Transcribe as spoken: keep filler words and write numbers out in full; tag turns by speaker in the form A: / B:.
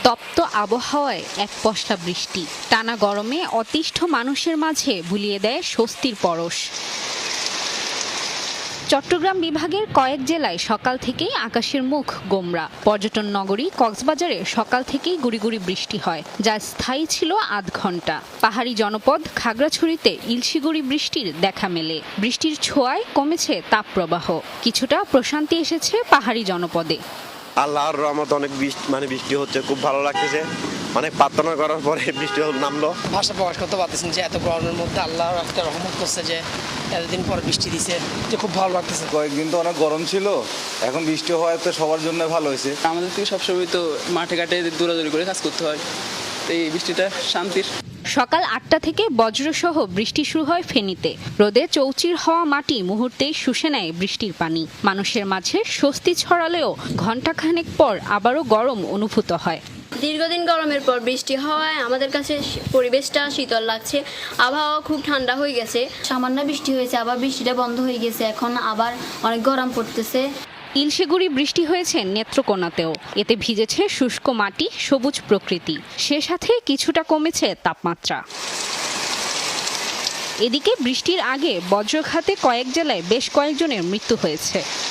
A: তপ্ত আবহাওয়ায় এক পশলা বৃষ্টি, টানা গরমে অতিষ্ঠ মানুষের মাঝে বুলিয়ে দেয় স্বস্তির পরশ। চট্টগ্রাম বিভাগের কয়েক জেলায় সকাল থেকেই আকাশের মুখ গোমড়া। পর্যটন নগরী কক্সবাজারে সকাল থেকেই গুড়ি গুড়ি বৃষ্টি হয়, যা স্থায়ী ছিল আধ ঘন্টা। পাহাড়ি জনপদ খাগড়াছড়িতে ইলশিগুড়ি বৃষ্টির দেখা মেলে। বৃষ্টির ছোঁয়ায় কমেছে তাপপ্রবাহ, কিছুটা প্রশান্তি এসেছে পাহাড়ি জনপদে।
B: আল্লাহর রহমত, অনেক বৃষ্টি মানে বৃষ্টি হচ্ছে, খুব ভালো লাগতেছে। অনেক প্রার্থনা করার পরে বৃষ্টি নামলো।
C: ভাষা প্রকাশ করতে পারতেছেন যে এত গরমের মধ্যে আল্লাহর একটা রহমত করছে, যে এতদিন পর বৃষ্টি দিছে, যে খুব ভালো লাগতেছে।
D: কয়েকদিন তো অনেক গরম ছিল, এখন বৃষ্টি হওয়ায় তো সবার জন্য ভালো হয়েছে।
E: আমাদের থেকে সবসময় তো মাঠে ঘাটে দৌড়াদৌড়ি করে কাজ করতে হয়, তো এই বৃষ্টিটা শান্তির।
A: সকাল আটটা থেকে বজ্রসহ বৃষ্টি শুরু হয় ফেনীতে। রোদে চৌচির হওয়া মাটি মুহূর্তেই শুষে নেয় বৃষ্টির পানি। মানুষের মাঝে স্বস্তি ছড়ালেও ঘণ্টাখানেক পর আবারও গরম অনুভূত হয়।
F: দীর্ঘদিন গরমের পর বৃষ্টি হওয়ায় আমাদের কাছে পরিবেশটা শীতল লাগছে, আবহাওয়া খুব ঠান্ডা হয়ে গেছে।
G: সামান্য বৃষ্টি হয়েছে, আবার বৃষ্টিটা বন্ধ হয়ে গেছে, এখন আবার অনেক গরম পড়তেছে।
A: ইলশিগুড়ি বৃষ্টি হয়েছে নেত্রকোনাতেও। এতে ভিজেছে শুষ্ক মাটি, সবুজ প্রকৃতি, সে সাথে কিছুটা কমেছে তাপমাত্রা। এদিকে বৃষ্টির আগে বজ্রঘাতে কয়েক জেলায় বেশ কয়েকজনের মৃত্যু হয়েছে।